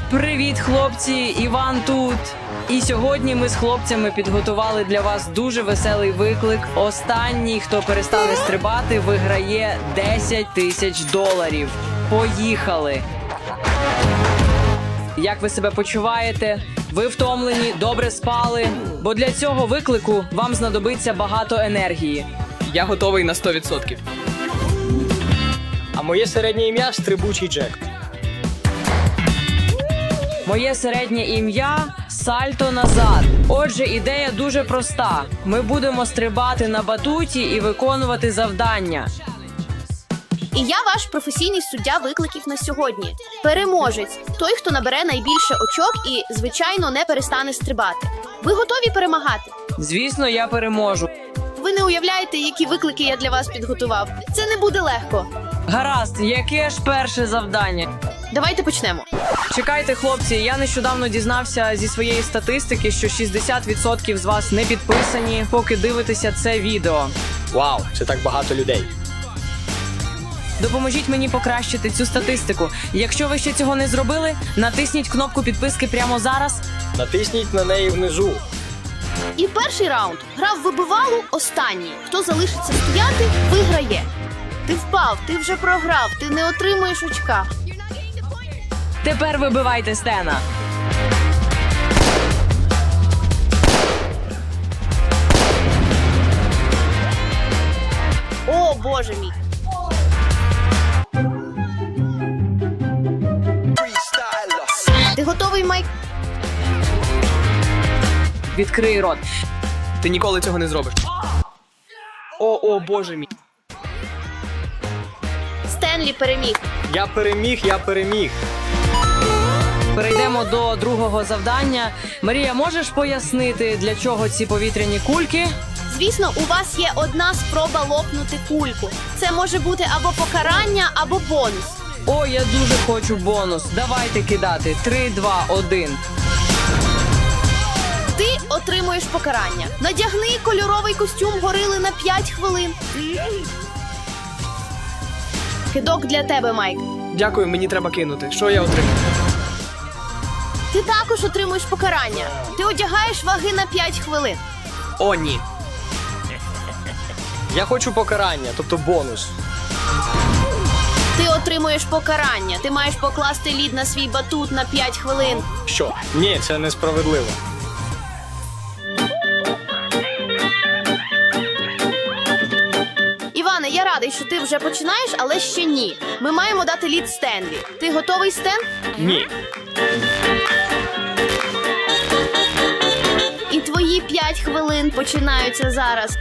Привіт, хлопці! Іван тут! І сьогодні ми з хлопцями підготували для вас дуже веселий виклик. Останній, хто перестане стрибати, виграє $10 000. Поїхали! Як ви себе почуваєте? Ви втомлені, добре спали? Бо для цього виклику вам знадобиться багато енергії. Я готовий на 100%. А моє середнє ім'я – Стрибучий Джек. Моє середнє ім'я – Сальто назад. Отже, ідея дуже проста. Ми будемо стрибати на батуті і виконувати завдання. І я ваш професійний суддя викликів на сьогодні. Переможець – той, хто набере найбільше очок і, звичайно, не перестане стрибати. Ви готові перемагати? Звісно, я переможу. Ви не уявляєте, які виклики я для вас підготував. Це не буде легко. Гаразд, яке ж перше завдання? Давайте почнемо. Чекайте, хлопці, я нещодавно дізнався зі своєї статистики, що 60% з вас не підписані, поки дивитеся це відео. Вау, це так багато людей. Допоможіть мені покращити цю статистику. Якщо ви ще цього не зробили, натисніть кнопку підписки прямо зараз. Натисніть на неї внизу. І перший раунд. Гра в вибивалу останній. Хто залишиться стояти, виграє. Ти впав, ти вже програв, ти не отримуєш очка. Тепер вибивайте Стена. О, Боже мій. Ти готовий, Майк? Відкрий рот. Ти ніколи цього не зробиш. О, боже мій. Стенлі переміг. Я переміг. Перейдемо до другого завдання. Марія, можеш пояснити, для чого ці повітряні кульки? Звісно, у вас є одна спроба лопнути кульку. Це може бути або покарання, або бонус. О, я дуже хочу бонус. Давайте кидати. 3, 2, 1. Ти отримуєш покарання. Надягни кольоровий костюм горили на 5 хвилин. Кидок для тебе, Майк. Дякую, мені треба кинути. Що я отримаю? Ти також отримуєш покарання. Ти одягаєш ваги на 5 хвилин. О, ні. Я хочу покарання, тобто бонус. Ти отримуєш покарання. Ти маєш покласти лід на свій батут на 5 хвилин. Що? Ні, це несправедливо. Іване, я радий, що ти вже починаєш, але ще ні. Ми маємо дати лід Стенлі. Ти готовий, Стен? Ні. І твої 5 хвилин починаються зараз.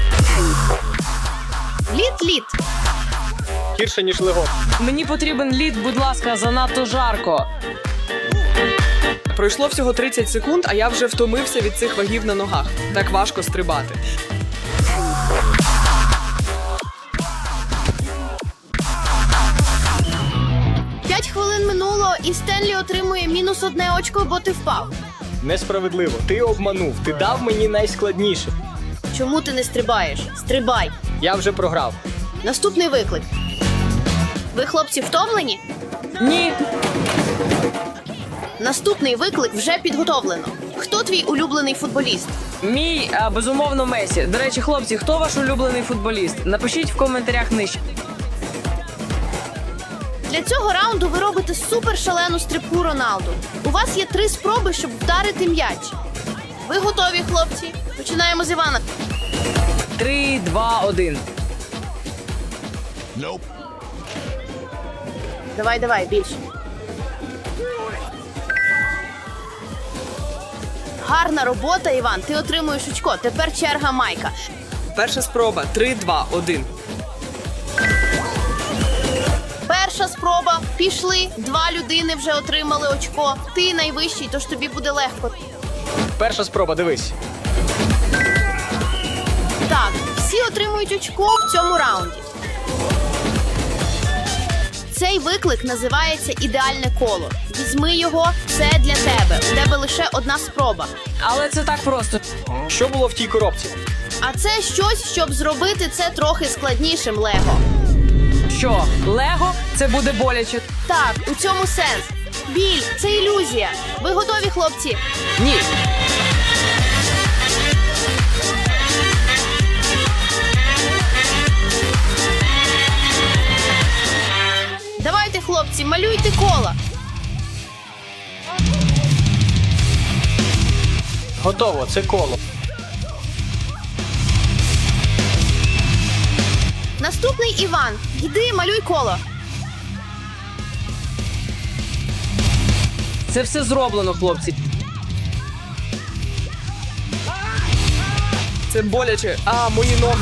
Лід. Гірше, ніж лего. Мені потрібен лід, будь ласка, занадто жарко. Пройшло всього 30 секунд, а я вже втомився від цих вагів на ногах. Так важко стрибати. П'ять хвилин минуло, і Стенлі отримує -1 очко, бо ти впав. Несправедливо. Ти обманув. Ти дав мені найскладніше. Чому ти не стрибаєш? Стрибай. Я вже програв. Наступний виклик. Ви, хлопці, втомлені? Ні. Наступний виклик вже підготовлено. Хто твій улюблений футболіст? Мій, безумовно, Месі. До речі, хлопці, хто ваш улюблений футболіст? Напишіть в коментарях нижче. Для цього раунду ви робите супершалену стрибку Роналду. У вас є 3 спроби, щоб вдарити м'яч. Ви готові, хлопці? Починаємо з Івана. 3, 2, 1. Давай, більше. Гарна робота, Іван. Ти отримуєш очко. Тепер черга Майка. Перша спроба. 3, 2, 1. Перша спроба. Пішли. 2 людини вже отримали очко. Ти найвищий, тож тобі буде легко. Перша спроба, дивись. Так, всі отримують очко в цьому раунді. Цей виклик називається «Ідеальне коло». Візьми його, це для тебе. У тебе лише 1 спроба. Але це так просто. Що було в тій коробці? А це щось, щоб зробити це трохи складнішим, Лего. Що, Лего? Це буде боляче. Так, у цьому сенс. Біль – це ілюзія. Ви готові, хлопці? Ні. Давайте, хлопці, малюйте кола. Готово, це коло. Наступний Іван. Йди, малюй коло. Це все зроблено, хлопці. Це боляче. А, мої ноги.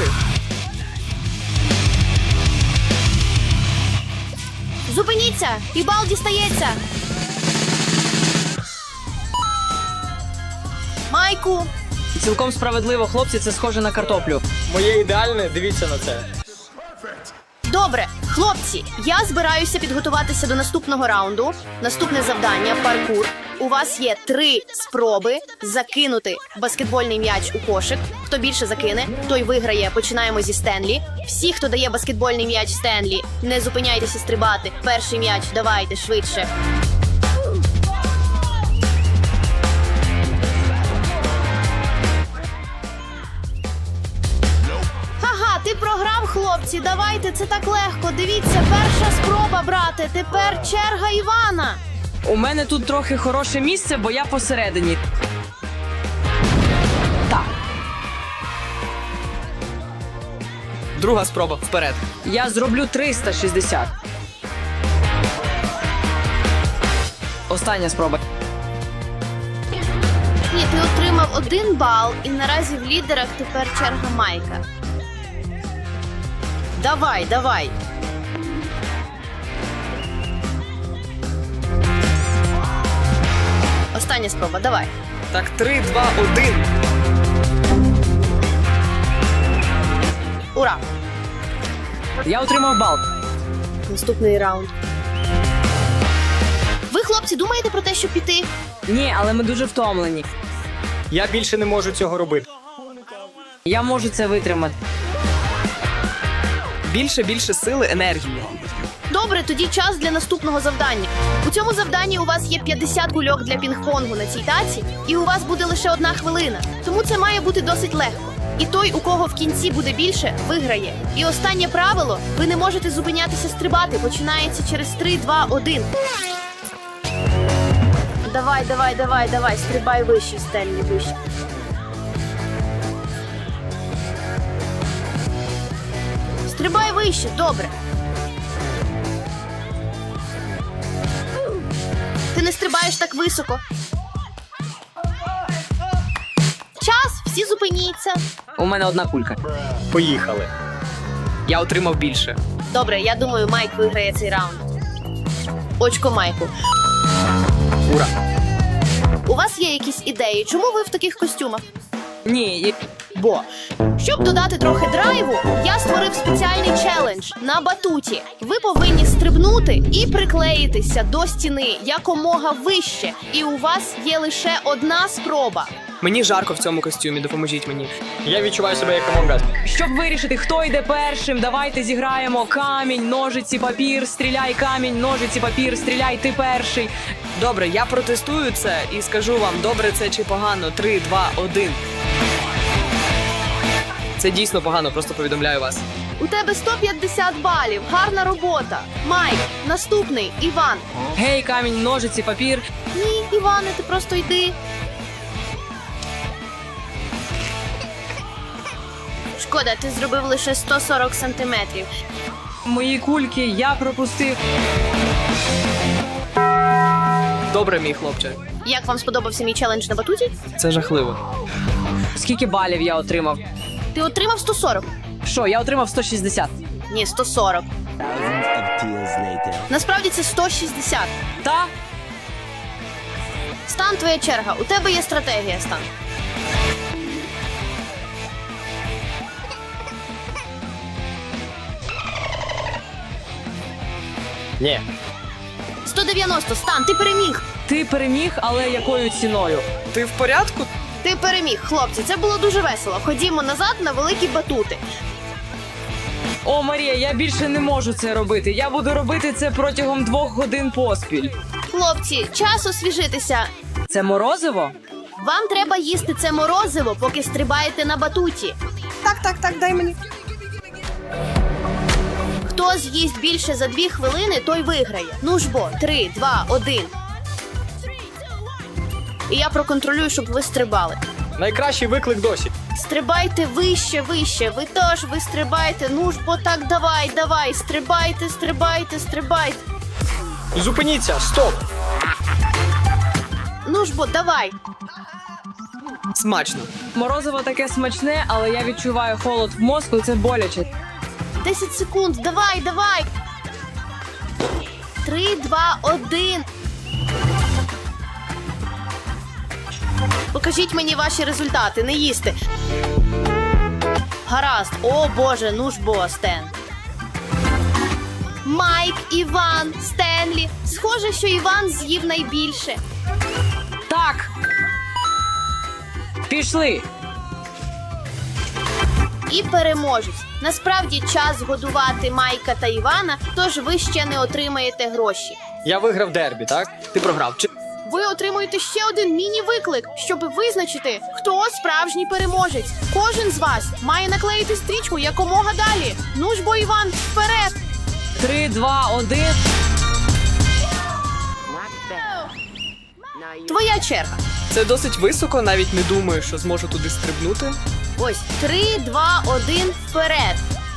Зупиніться! І бал дістається. Майку. Цілком справедливо, хлопці, це схоже на картоплю. Моє ідеальне, дивіться на це. Добре, хлопці, я збираюся підготуватися до наступного раунду. Наступне завдання – паркур. У вас є 3 спроби закинути баскетбольний м'яч у кошик. Хто більше закине, той виграє. Починаємо зі Стенлі. Всі, хто дає баскетбольний м'яч Стенлі, не зупиняйтеся стрибати. Перший м'яч, давайте, швидше. Ага, ти програв, хлопці. Давайте, це так легко. Дивіться, перша спроба, брате. Тепер черга Івана. У мене тут трохи хороше місце, бо я посередині. Так, Друга спроба. Вперед. я зроблю 360. Остання спроба. Ні, ти отримав 1 бал, і наразі в лідерах тепер черга Майка. Давай, давай. Остання спроба, давай. Так, 3, 2, 1. Ура! Я отримав бал. Наступний раунд. Ви, хлопці, думаєте про те, щоб піти? Ні, але ми дуже втомлені. Я більше не можу цього робити. Я можу це витримати. Більше сили, енергії. Добре, тоді час для наступного завдання. У цьому завданні у вас є 50 кульок для пінг-понгу на цій таці, і у вас буде лише 1 хвилина. Тому це має бути досить легко. І той, у кого в кінці буде більше, виграє. І останнє правило – ви не можете зупинятися стрибати. Починається через 3, 2, 1. Давай, стрибай вище, Стенлі, вище. Стрибай вище, добре. Ти не стрибаєш так високо. Час, всі зупиніться. У мене 1 кулька. Поїхали. Я отримав більше. Добре, я думаю, Майк виграє цей раунд. Очко Майку. Ура. У вас є якісь ідеї? Чому ви в таких костюмах? Ні, Бо, щоб додати трохи драйву, я створив спеціальний челендж на батуті. Ви повинні стрибнути і приклеїтися до стіни якомога вище. І у вас є лише 1 спроба. Мені жарко в цьому костюмі, допоможіть мені. Я відчуваю себе як Among Us. щоб вирішити, хто йде першим, давайте зіграємо камінь, ножиці, папір, стріляй, камінь, ножиці, папір, стріляй, ти перший. Добре, я протестую це і скажу вам, добре це чи погано. 3, 2, 1. Це дійсно погано, просто повідомляю вас. У тебе 150 балів. Гарна робота. Майк, наступний, Іван. Гей, камінь, ножиці, папір. Ні, Іване, ти просто йди. Шкода, ти зробив лише 140 сантиметрів. Мої кульки я пропустив. Добре, мій хлопче. Як вам сподобався мій челендж на батуті? Це жахливо. Скільки балів я отримав? Ти отримав 140. Що, я отримав 160. Ні, 140. Насправді це 160. Та? Стан, твоя черга. У тебе є стратегія, Стан. Ні. 190, Стан, ти переміг. Ти переміг, але якою ціною? Ти в порядку? Ти переміг, хлопці. Це було дуже весело. Ходімо назад на великі батути. О, Марія, я більше не можу це робити. Я буду робити це протягом 2 годин поспіль. Хлопці, час освіжитися. Це морозиво? Вам треба їсти це морозиво, поки стрибаєте на батуті. Так, дай мені. Хто з'їсть більше за 2 хвилини, той виграє. Ну ж бо, 3, 2, 1. І я проконтролюю, щоб ви стрибали. Найкращий виклик досі. Стрибайте вище, вище. Ви стрибайте. Ну ж бо так, давай. Стрибайте. Зупиніться, стоп! Ну ж бо, давай. Смачно. Морозиво таке смачне, але я відчуваю холод в мозку, це боляче. 10 секунд, давай. 3, 2, 1. Покажіть мені ваші результати, не їсти. Гаразд, о боже, ну ж бо, Стен. Майк, Іван, Стенлі. Схоже, що Іван з'їв найбільше. Так! Пішли! І переможець. Насправді час годувати Майка та Івана, тож ви ще не отримаєте гроші. Я виграв дербі, так? Ти програв. Ви отримуєте ще один міні-виклик, щоб визначити, хто справжній переможець. Кожен з вас має наклеїти стрічку якомога далі. Ну ж бо, Іван, вперед! 3, 2, 1. Твоя черга. Це досить високо, навіть не думаю, що зможу туди стрибнути. Ось, 3, 2, 1, вперед.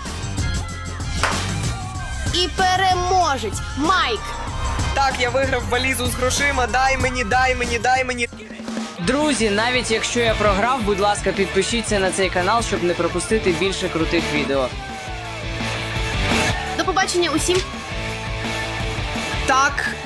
І переможець Майк. Так, я виграв валізу з грошима. Дай мені. Друзі, навіть якщо я програв, будь ласка, підпишіться на цей канал, щоб не пропустити більше крутих відео. До побачення усім. Так,